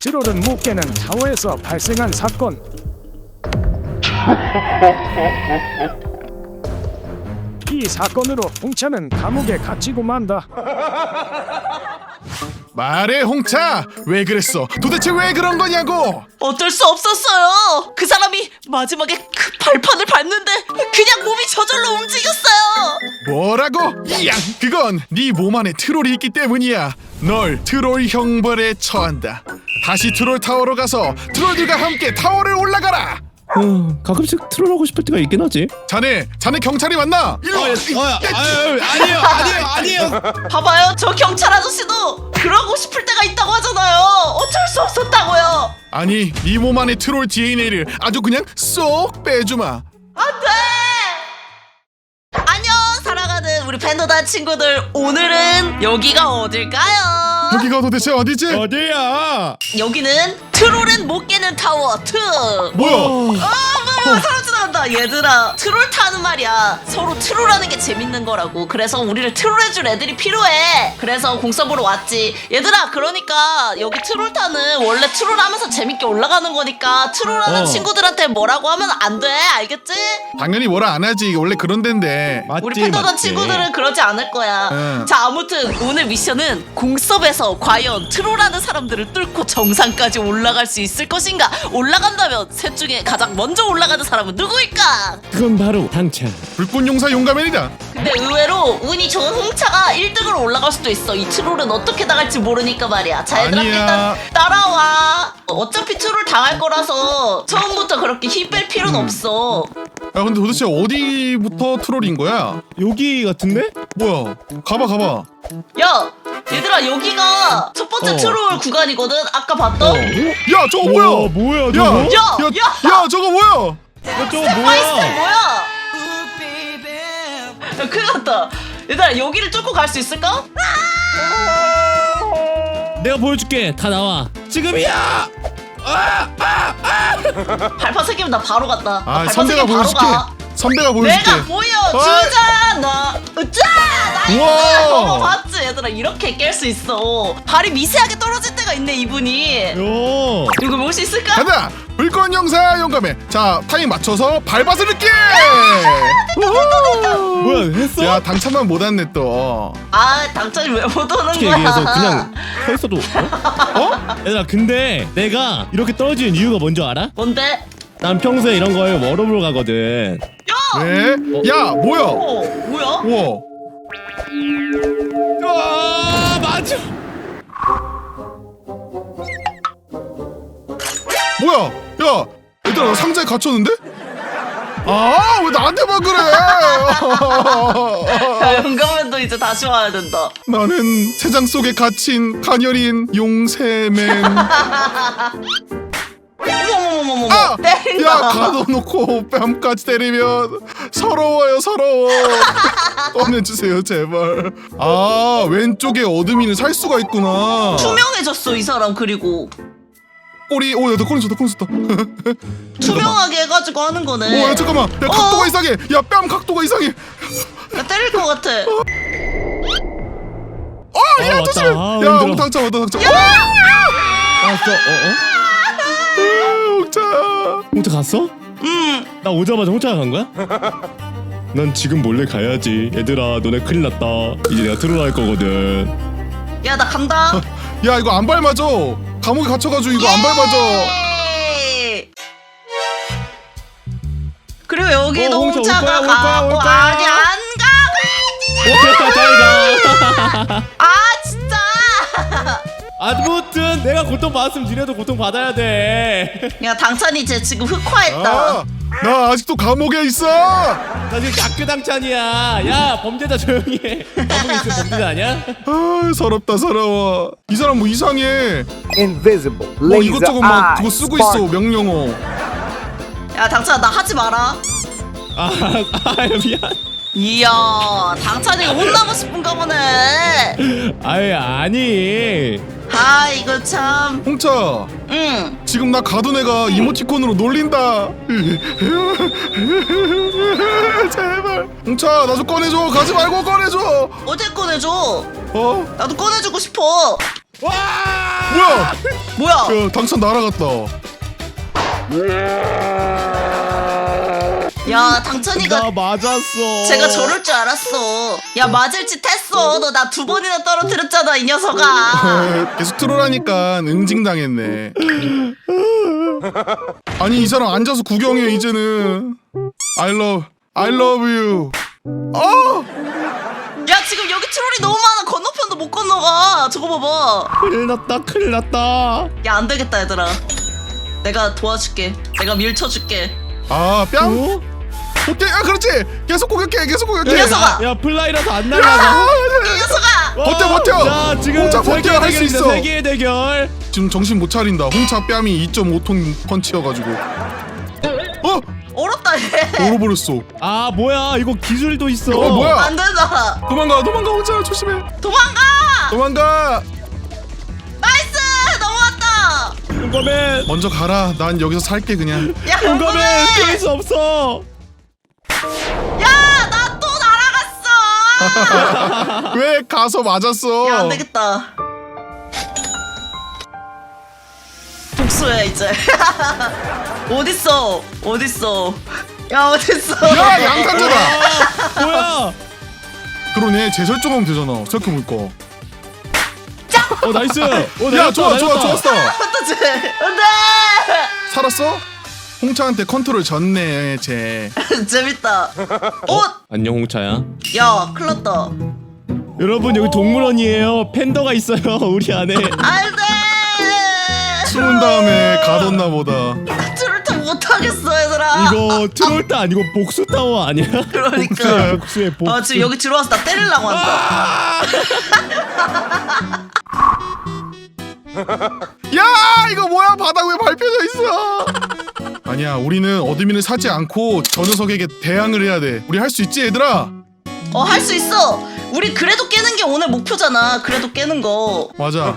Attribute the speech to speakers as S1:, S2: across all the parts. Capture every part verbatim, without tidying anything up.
S1: 트롤은 못 깨는 타워에서 발생한 사건. 이 사건으로 홍차는 감옥에 갇히고 만다.
S2: 말해 홍차, 왜 그랬어? 도대체 왜 그런 거냐고?
S3: 어쩔 수 없었어요. 그 사람이 마지막에 그 발판을 밟는데 그냥 몸이 저절로 움직였어요.
S2: 뭐라고? 이양, 그건 네 몸 안에 트롤이 있기 때문이야. 널 트롤 형벌에 처한다. 다시 트롤 타워로 가서 트롤들과 함께 타워를 올라가라.
S4: 어, 가끔씩 트롤하고 싶을 때가 있긴 하지.
S2: 자네, 자네 경찰이 맞나? 일로 와.
S4: 어, 아유, 아니에요, 아니에요, 아니에요.
S3: 봐봐요, 저 경찰 아저씨도 그러고 싶을 때가 있다고 하잖아요. 어쩔 수 없었다고요.
S2: 아니, 네 몸 안에 트롤 디엔에이를 아주 그냥 쏙 빼주마.
S3: 안돼. 안녕, 사랑하는 우리 팬더다 친구들. 오늘은 여기가 어딜까요?
S2: 여기가 도대체 어디지?
S4: 어디야?
S3: 여기는 트롤은 못 깨는 타워 투.
S2: 뭐야?
S3: 아 뭐야, 사람 지나간다. 얘들아, 트롤 타는 말이야. 서로 트롤하는 게 재밌는 거라고. 그래서 우리를 트롤해줄 애들이 필요해. 그래서 공서보러 왔지. 얘들아, 그러니까 여기 트롤 타는 원래 트롤하면서 재밌게 올라가는 거니까 트롤하는
S4: 어.
S3: 친구들한테 뭐라고 하면 안 돼. 알겠지?
S2: 당연히 뭐라 안 하지. 원래 그런 데인데.
S4: 맞지,
S3: 우리 팬더던
S4: 맞지.
S3: 친구들은 그러지 않을 거야.
S2: 응.
S3: 자, 아무튼 오늘 미션은 공섭에서 과연 트롤하는 사람들을 뚫고 정상까지 올라갈 수 있을 것인가? 올라간다면 셋 중에 가장 먼저 올라가는 사람은 누구일까?
S4: 그건 바로 당찬.
S2: 불꽃용사 용가맨이다.
S3: 근데 의외로 운이 좋은 홍차가 일 등으로 올라갈 수도 있어. 이 트롤은 어떻게 나갈지 모르니까 말이야. 자, 얘들아,
S2: 아니야.
S3: 일단 따라와. 어차피 트롤 당할 거라서 처음부터 그렇게 힘 뺄 필요는
S2: 음.
S3: 없어.
S2: 야, 근데 도대체 어디부터 트롤인 거야?
S4: 여기 같은데?
S2: 뭐야? 가봐, 가봐.
S3: 야, 얘들아, 여기가 첫 번째
S4: 어.
S3: 트롤 구간이거든. 아까 봤던.
S2: 야, 저거 뭐야?
S4: 와, 뭐야,
S2: 야,
S4: 저거?
S3: 야,
S2: 야, 야, 저거 뭐야?
S4: 어, 저거
S3: 파이스텔
S4: 뭐야?
S3: 뭐야? 야, 큰일 났다. 얘들아, 여기를 뚫고 갈 수 있을까?
S4: 내가 보여줄게. 다 나와. 지금이야.
S3: 발판 새끼면 나 바로 갔다. 나
S2: 아,
S3: 발판
S2: 선배가
S3: 새끼면 바로
S2: 보여줄게.
S3: 가.
S2: 선배가 보여줄게.
S3: 내가 보여주잖아. 으짜! 나이스!
S2: 우와.
S3: 저거 봤지? 얘들아, 이렇게 깰 수 있어. 발이 미세하게 떨어질 때가 있네, 이분이.
S4: 요.
S3: 이거 볼 수 있을까?
S2: 가자. 불꽃용사 용가맨. 자, 타임 맞춰서 밟아서 늦게.
S4: 뭐야, 했어?
S2: 야, 당첨만 못 왔네 또.
S3: 아, 당첨이 왜 못 오는
S4: 어떻게
S3: 거야?
S4: 얘기해서 그냥 서 있어도 어? 어? 얘들아, 근데 내가 이렇게 떨어지는 이유가 뭔지 알아?
S3: 뭔데?
S4: 난 평소에 이런 거에 워러블로 가거든.
S3: 야!
S2: 네? 야, 뭐야?
S3: 어, 뭐야?
S2: 우와.
S4: 아, 맞아.
S2: 뭐야? 야, 얘들아, 나 상자에 갇혔는데? 아, 왜 나한테만 그래?
S3: 야, 영감맨도 이제 다시 와야 된다.
S2: 나는 세장 속에 갇힌 가녀린 용새맨.
S3: 어머머머머머.
S2: 아!
S3: 때린다.
S2: 야, 가둬놓고 뺨까지 때리면 서러워요, 서러워. 꺼내주세요, 제발. 아, 왼쪽에 어둠이는 살 수가 있구나.
S3: 투명해졌어, 이 사람. 그리고
S2: 꼬리, 오, 야, 나 꺼내줬다, 꺼내줬다.
S3: 투명하게 해가지고 하는 거네.
S2: 오, 야, 잠깐만. 야, 각도가 이상해. 야, 뺨 각도가 이상해.
S3: 야, 때릴 것 같아.
S2: 아,
S4: 아,
S2: 야,
S4: 왔다.
S2: 조심해.
S4: 아,
S2: 야,
S4: 힘들어.
S2: 홍 당첨, 왔다, 당첨.
S4: 갔어. 어, 어?
S2: 홍차.
S4: 홍차 갔어?
S3: 음.
S4: 나 오자마자 홍차가 간 거야? 난 지금 몰래 가야지. 얘들아, 너네 큰일 났다. 이제 내가 트롤할 거거든.
S3: 야, 나 간다.
S2: 야, 이거 안 밟아줘. 감옥에 갇혀가지고 이거 안 밟아줘.
S3: 예! 그리고 여기도
S4: 어, 홍차 올
S3: 홍차가
S4: 거야, 올 거야,
S3: 가고
S4: 올 거야.
S3: 아니 안 가.
S4: 오케이, 잘 가.
S3: 아, 진짜.
S4: 아무튼 내가 고통 받았으면 니네도 고통 받아야 돼.
S3: 야, 당찬이 쟤 지금 흑화했다.
S2: 아, 나 아직도 감옥에 있어.
S4: 나 지금 다크당찬이야. 야, 범죄자 조용히 해. 감옥에 있으면 범죄자 아니야?
S2: 아, 서럽다, 서러워. 이 사람 뭐 이상해.
S5: Invisible.
S2: 뭐
S5: Laser
S2: 이것저것 막
S5: eye.
S2: 그거 쓰고 있어,
S5: spark.
S2: 명령어.
S3: 야, 당찬아, 나 하지 마라.
S4: 아, 아 미안.
S3: 이야, 당찬이가 혼나고 싶은가 보네.
S4: 아이, 아니.
S3: 아, 이거 참.
S2: 홍차,
S3: 응.
S2: 지금 나 가둔 애가 이모티콘으로 놀린다. 제발. 홍차, 나 좀 꺼내줘. 가지 말고 꺼내줘.
S3: 어제 꺼내줘.
S2: 어?
S3: 나도 꺼내주고 싶어.
S4: 와!
S2: 뭐야?
S3: 뭐야?
S2: 야, 당첨 날아갔다.
S3: 야 당천이가
S4: 나 맞았어.
S3: 제가 저럴 줄 알았어. 야 맞을 짓 했어. 너 나 두 번이나 떨어뜨렸잖아 이 녀석아.
S2: 계속 트롤하니까 응징당했네. 아니 이 사람 앉아서 구경해 이제는. I love, I love you. 어!
S3: 야 지금 여기 트롤이 너무 많아. 건너편도 못 건너가. 저거 봐봐.
S4: 큰일 났다 큰일 났다.
S3: 야 안 되겠다 얘들아. 내가 도와줄게. 내가 밀쳐줄게.
S2: 아 뺨?
S4: 어?
S2: 오케이, 아 그렇지. 계속 공격해, 계속 공격해.
S3: 이 녀석아.
S4: 야 플라이라서 안
S2: 야!
S4: 날아가.
S3: 이 녀석아.
S2: 버텨, 버텨.
S4: 자 지금
S2: 홍차 버텨,
S4: 세계의
S2: 할 수
S4: 대결이다,
S2: 있어.
S4: 세계의 대결.
S2: 지금 정신 못 차린다. 홍차 뺨이 이 점 오 톤 펀치여가지고. 어?
S3: 어렵다 얘.
S2: 얼어버렸어.
S4: 아 뭐야 이거 기술도 있어.
S2: 어 뭐야?
S3: 안 된다.
S2: 도망가, 도망가, 홍차 조심해.
S3: 도망가.
S2: 도망가.
S3: 나이스 넘어왔다.
S4: 용감해.
S2: 먼저 가라. 난 여기서 살게 그냥.
S3: 야
S4: 용감해.
S3: 궁금해.
S4: 피할 수 없어.
S3: 야 나 또 날아갔어.
S2: 왜 가서 맞았어?
S3: 야 안되겠다. 복수해 이제. 어딨어 어딨어. 야 어딨어.
S2: 야 양탄자다.
S4: 아, 뭐야?
S2: 그러네. 재설정하면 되잖아. 생각해보니까.
S4: 어 나이스. 어
S2: 야
S4: 날렸다,
S2: 좋아 좋아
S4: 날렸다.
S2: 좋았어.
S3: 어떡해. 안돼.
S2: 살았어? 홍차한테 컨트롤 졌네 쟤.
S3: 재밌다. 어?
S4: 안녕 홍차야.
S3: 야 큰일났다.
S4: 여러분 여기 동물원이에요. 팬더가 있어요 우리 안에.
S3: 안돼.
S2: 숨은 다음에 가뒀나 보다.
S3: 트롤 타 못하겠어 얘들아.
S4: 이거 트롤타 아니고 복수 타워 아니야?
S3: 그러니까.
S4: 복수의 복수.
S3: 아 지금 여기 들어와서 나 때리려고 한다.
S2: 야 이거 뭐야? 바닥 왜 밟혀져 있어? 아니야 우리는 어드민을 사지 않고 저 녀석에게 대항을 해야 돼. 우리 할 수 있지 얘들아?
S3: 어 할 수 있어. 우리 그래도 깨는 게 오늘 목표잖아. 그래도 깨는 거.
S2: 맞아.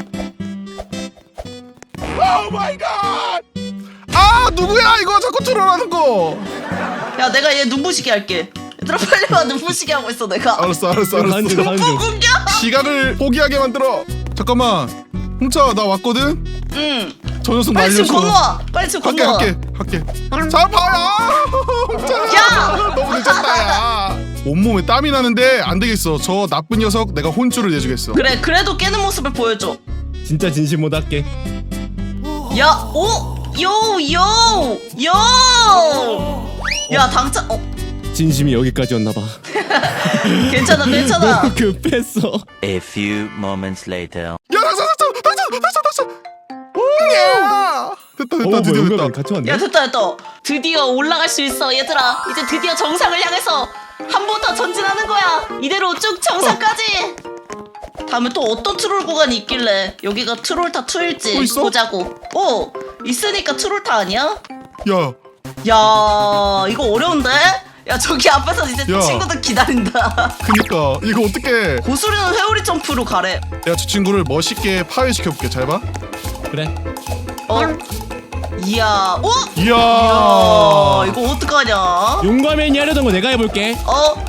S2: 오 마이 갓! 아 누구야 이거 자꾸 트롤하는 거.
S3: 야 내가 얘 눈부시게 할게. 얘들아 빨리 와. 눈부시게 하고 있어 내가.
S2: 알았어 알았어
S4: 가는 중
S2: 알았어.
S4: 가는 중.
S3: 공격.
S2: 시각을 포기하게 만들어. 잠깐만. 홍차 나 왔거든?
S3: 응.
S2: 저 녀석
S3: 빨리 지금
S2: 날려줘.
S3: 건너와. 빨리 지금
S2: 할게
S3: 건너와.
S2: 할게 할게. 잡아요. 홍차야.
S3: 야!
S2: 너무 늦었다 야. 온몸에 땀이 나는데 안 되겠어. 저 나쁜 녀석 내가 혼쭐을 내주겠어.
S3: 그래 그래도 깨는 모습을 보여줘.
S4: 진짜 진심 못 할게.
S3: 야, 오, 요, 요, 요. 야, 당첨. 어,
S4: 진심이 여기까지였나 봐.
S3: 괜찮아, 괜찮아.
S4: 너무 급했어.
S5: A few moments later.
S2: 야 당첨 당첨 당첨 당첨 당첨. 야 됐다 됐다
S4: 어,
S2: 드디어
S4: 뭐야,
S2: 됐다.
S4: 같이 왔네.
S3: 야, 됐다, 됐다. 드디어 올라갈 수 있어, 얘들아. 이제 드디어 정상을 향해서 한 번 더 전진하는 거야. 이대로 쭉 정상까지. 다음에 또 어떤 트롤 구간이 있길래 여기가 트롤타 투일지
S2: 또 있어?
S3: 보자고. 오, 있으니까 트롤타 아니야?
S2: 야
S3: 야, 이거 어려운데? 야, 저기 앞에서 이제
S2: 야.
S3: 친구들 기다린다.
S2: 그니까 이거 어떡해.
S3: 고수리는 회오리 점프로 가래.
S2: 내가 저 친구를 멋있게 파괴시켜볼게. 잘 봐.
S4: 그래.
S3: 어? 이야, 오?
S2: 이야.
S3: 아, 이거 어떡하냐?
S4: 용감맨이 하려던 거 내가 해볼게.
S3: 어?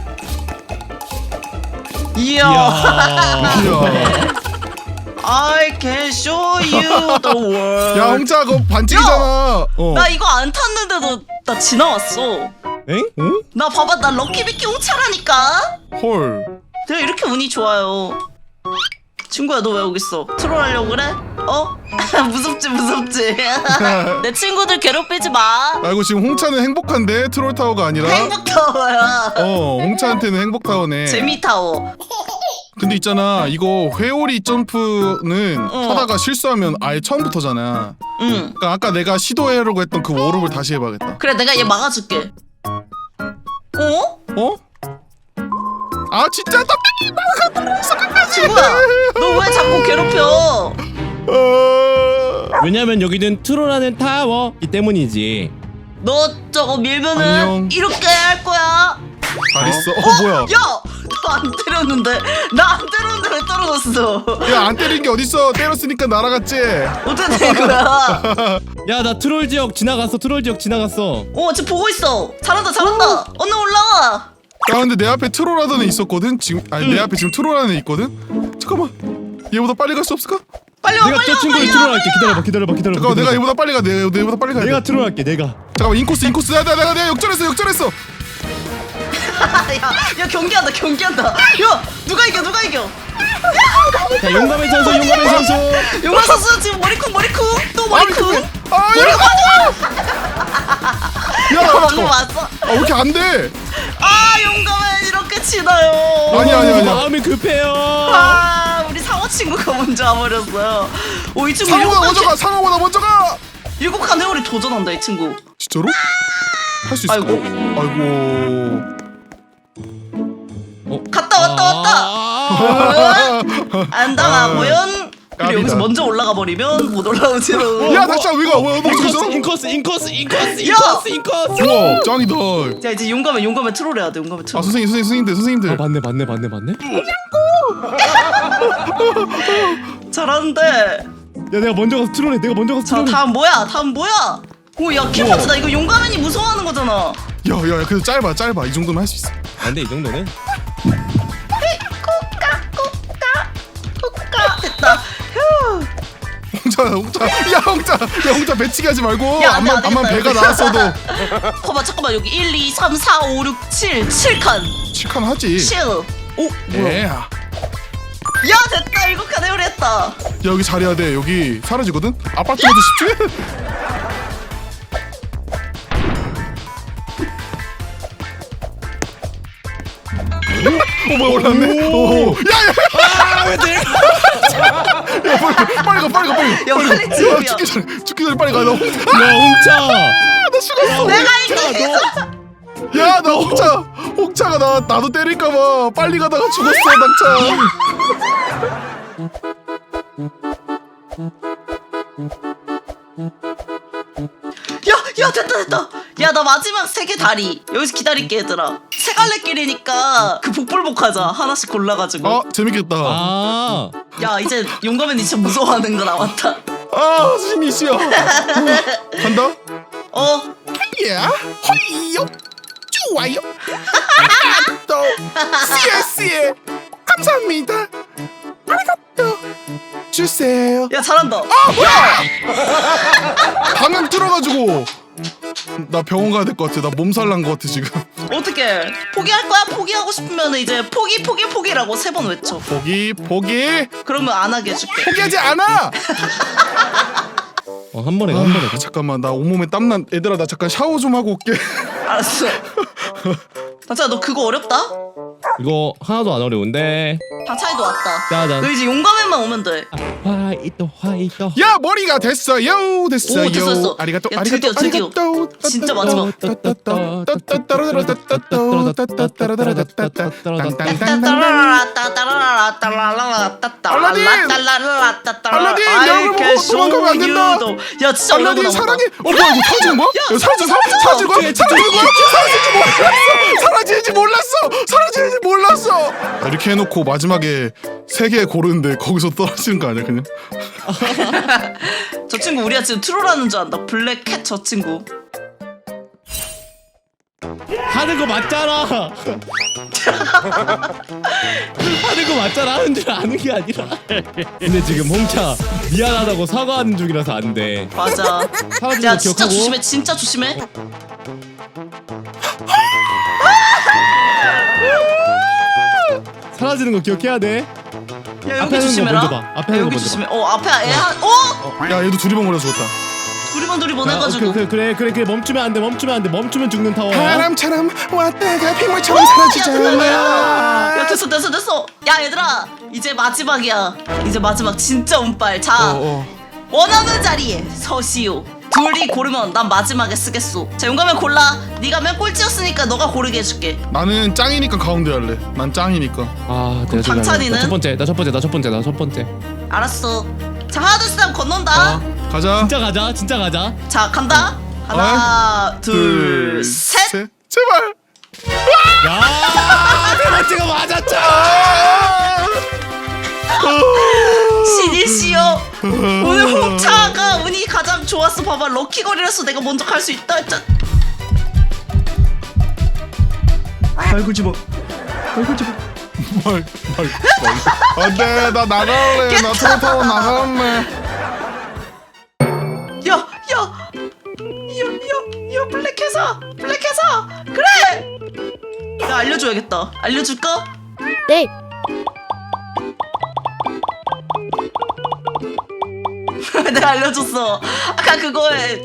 S3: 이야.
S4: 이야.
S2: 이야.
S3: I can show you the world.
S2: 야 홍차 그거 반칙이잖아. 어.
S3: 나 이거 안 탔는데도 나 지나왔어.
S4: 엥? 응?
S3: 나 봐봐, 나 럭키비키 홍차라니까.
S2: 헐.
S3: 내가 이렇게 운이 좋아요. 친구야, 너 왜 여기 있어? 트롤하려고 그래? 어? 무섭지, 무섭지. 내 친구들 괴롭히지 마.
S2: 아이고 지금 홍차는 행복한데 트롤 타워가 아니라.
S3: 행복타워야.
S2: 어 홍차한테는 행복 타워네.
S3: 재미타워.
S2: 근데 있잖아 이거 회오리 점프는
S3: 어.
S2: 하다가 실수하면 아예 처음부터잖아.
S3: 응.
S2: 그러니까 아까 내가 시도하려고 했던 그 워룹을 다시 해봐야겠다.
S3: 그래, 내가 얘 막아줄게. 어?
S2: 어? 아 진짜 땀이 막아버렸어 끝까지.
S3: 친구야, 너 왜 자꾸 괴롭혀?
S2: 어...
S4: 왜냐면 여기는 트롤하는 타워이 때문이지.
S3: 너 저거 밀면은
S2: 안녕.
S3: 이렇게 할 거야.
S2: 잘 있어. 어 뭐야?
S3: 야, 너 안 때렸는데. 나 안 때렸는데 왜 떨어졌어?
S2: 야 안 때린 게 어딨어? 때렸으니까 날아갔지.
S3: 어떻게 된 거야?
S4: 야 나 트롤 지역 지나갔어. 트롤 지역 지나갔어.
S3: 어, 지금 보고 있어. 잘한다, 잘한다. 언니 올라와.
S2: 야 근데 내 앞에 트롤하던 애 있었거든. 지금 아니 내 앞에 지금 트롤하는 애 있거든. 잠깐만. 얘보다 빨리 갈 수 없을까?
S3: 빨리 와
S4: 내가
S3: 빨리
S4: 저
S3: 와
S4: 친구를
S3: 빨리 와
S4: 트롤할게. 기다려봐 기다려봐 기다려봐.
S2: 잠깐만 내가
S4: 기다려봐.
S2: 얘보다 빨리 가 내가 얘보다 빨리 가야 돼
S4: 내가 트롤할게 내가.
S2: 잠깐만 인코스 인코스 내가 내가 내가 역전했어 역전했어
S3: 야, 야 경기한다 경기한다 야 누가 이겨 누가 이겨
S4: 자 용감의 선수 용감의 선수.
S3: 용화 선수 지금 머리쿵 머리쿵 또 머리쿵
S2: 아야
S3: 야 방금
S2: 잠깐만
S3: 왔어
S2: 아왜 이렇게 안돼
S3: 아 용감해 이렇게 치나요
S2: 아니야 아니야 아니야
S4: 마음이 급해요.
S3: 아 우리 상어 친구가 먼저 와버렸어요 오이 친구 일곱
S2: 상호보다
S3: 칸
S2: 먼저 가 상호보다 먼저 가
S3: 일곱 칸 회오리 도전한다 이 친구
S2: 진짜로? 할 수 있어
S3: 아이고.
S2: 아이고
S3: 갔다 왔다 왔다
S4: 아,
S3: 안 당하고연 그리고
S2: 깝이다.
S3: 여기서 먼저 올라가 버리면 못 올라오지로
S2: 야 다시 위가 왜 너무
S4: 인코스
S2: 있어?
S4: 인코스 인코스 인코스
S3: 야!
S4: 인코스 인코스.
S2: 우와 짱이다
S3: 자 이제 용감해 용감해 트롤 해야 돼 용감해
S2: 아
S3: 트롤
S2: 선생님 선생님 선생님들 선생님들
S4: 아 맞네 맞네 맞네 맞네.
S3: 잘하는데
S4: 야 내가 먼저 가서 트롤해. 내가 먼저 가서
S3: 자
S4: 트롤해.
S3: 다음 뭐야 다음 뭐야 오야 킬파트다 이거 용감해니 무서워하는 거잖아
S2: 야야 그래도 짧아 짧아 이 정도면 할 수 있어
S4: 안돼 이 정도는.
S3: 까 됐다 휴
S2: 홍자 홍자 야 홍자 야 홍자 배치기 하지 말고
S3: 야, 안 돼,
S2: 암만
S3: 안
S2: 암만
S3: 되겠다,
S2: 배가
S3: 이거.
S2: 나왔어도
S3: 봐봐 잠깐만 여기 일, 이, 삼, 사, 오, 육, 칠 칠 칸
S2: 칠칸 하지
S3: 칠 오 뭐야
S2: 예.
S3: 야 됐다 일곱 칸 회오리 했다
S2: 야 여기 잘해야 돼 여기 사라지거든 아파트에도 집중해 오 뭐야 올랐네 오 야야
S4: 아왜 내가?
S2: 야, 빨리 가 빨리 가 빨리 가
S3: 야 빨리
S2: 야,
S3: 지금이야
S2: 죽기 전에 죽기 전에 빨리 가나 홍자
S4: 야 홍차.
S2: 나 죽었어
S3: 내가 이렇게
S2: 야나 홍차 홍차가 나 나도 때릴까봐 빨리 가다가 죽었어 낙차
S3: 야, 야 됐다 됐다. 야 나 마지막 세 개 다리 여기서 기다릴게 얘들아. 세 갈래길이니까 그 복불복 하자. 하나씩 골라가지고.
S2: 아 재밌겠다
S4: 아.
S3: 야 이제 용감해니 진짜 무서워하는 거 나왔다.
S2: 아 신이시여 간다
S3: 어.
S2: 야 허이요 좋아요 또 씨에스에 감사합니다 아리가또 주세요
S3: 야 잘한다.
S2: 아 뭐야 방금 뚫어가지고 나 병원 가야 될 것 같아 나 몸살 난 것 같아 지금
S3: 어떻게 포기할 거야? 포기하고 싶으면 이제 포기 포기 포기라고 세 번 외쳐.
S2: 포기 포기
S3: 그러면 안 하게 해줄게.
S2: 포기하지 않아
S4: 어, 한 번에 가, 한 번에 가.
S2: 아, 잠깐만 나 온몸에 땀난 얘들아 나 잠깐 샤워 좀 하고 올게
S3: 알았어. 당찬아 너 그거 어렵다?
S4: 이거 하나도 안 어려운데.
S3: 당찬이도 왔다.
S4: 짜잔.
S3: 너 이제 용감해만 오면 돼.
S4: 화이토 화이토.
S2: 야 머리가 됐어요 됐어요
S3: 오, 됐어, 됐어.
S2: 아리가또
S3: 야,
S2: 아리가또
S3: 드디어, 드디어.
S2: 아리가또
S3: 진짜 마지막.
S2: 알라딘! 알라딘! 내 얼굴 보고 도망가면 안 된다!
S3: 야 진짜 얼굴
S2: 알라딘
S3: 나온다.
S2: 사랑해 어 뭐야 이거 사라지는 거야? 야 사라져 사라지는 거야? 사라지는 거야? 사라지는지 몰랐어 사라지는지 몰랐어 사라지는지 몰랐어 이렇게 해놓고 마지막에 세 개 고르는데 거기서 떨어지는 거 아니야 그냥?
S3: 저 친구 우리가 지금 트롤하는 줄 안다. 블랙캣 저 친구.
S4: 하는 거 맞잖아. 하는 거 맞잖아. 하는 줄 아는 게 아니라. 근데 지금 홍차 미안하다고 사과하는 중이라서 안 돼.
S3: 맞아.
S4: 사라지는
S3: 야
S4: 거
S3: 진짜
S4: 기억하고.
S3: 조심해. 진짜 조심해.
S4: 사라지는 거 기억해야 돼.
S3: 야
S4: 앞에
S3: 여기
S4: 하는 거
S3: 조심해라.
S4: 먼저 봐. 앞에
S3: 야,
S4: 하는 거
S3: 여기
S4: 먼저
S3: 조심해. 어 앞에 애 한. 어?
S2: 야 얘도 두리번 걸려 죽었다
S3: 두리번 두리번
S4: 아,
S3: 해가지고.
S4: 오케이, 오케이, 그래 그래 그래 멈추면 안 돼. 멈추면 안 돼. 멈추면 죽는 타워야.
S2: 바람처럼 왔다가 빗물처럼
S3: 야,
S2: 사라지잖아
S3: 야 됐어 됐어 됐어. 야 얘들아 이제 마지막이야. 이제 마지막 진짜 운빨. 자
S2: 어, 어.
S3: 원하는 자리에 서시오. 둘이 고르면 난 마지막에 쓰겠소. 자 용감해 골라. 네가 맨 꼴찌였으니까 너가 고르게 해줄게.
S2: 나는 짱이니까 가운데 할래 난 짱이니까
S4: 아, 내가 좀
S3: 당찬이는?
S4: 나첫 번째, 나 첫 번째, 나 첫 번째, 나 첫 번째.
S3: 알았어. 자 하나 둘셋 하면 건넌다.
S2: 어 가자
S4: 진짜 가자, 진짜 가자.
S3: 자 간다. 하나 둘 셋.
S2: 제발
S4: 야, 세 번째가 맞았죠.
S3: 신이시여 오늘 홍차가 운이 가장 좋았어. 봐봐 럭키거리라서 내가 먼저 갈 수 있다 했잖아.
S1: 아이고 집어 아이고 집어
S2: 말, 말, 말. 안돼, 나 나갈래. 나 트롤 타고 나갈래.
S3: 야, 야, 야, 야, 야, 블랙해서, 블랙해서, 그래. 야, 알려줘야겠다. 알려줄까?
S6: 네.
S3: 내가 알려줬어. 아까 그거에.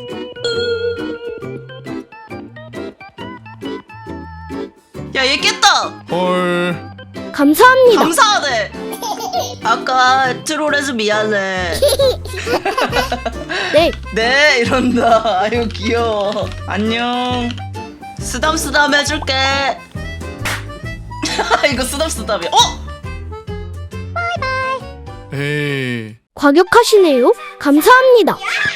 S3: 야, 얘 깼다.
S2: 헐.
S6: 감사합니다.
S3: 감사하네. 아까 트롤해서 미안해.
S6: 네.
S3: 네, 이런다. 아유, 귀여워. 안녕. 쓰담쓰담 해줄게. 이거 쓰담쓰담이야. 어?
S2: 에이.
S6: 과격하시네요. 감사합니다.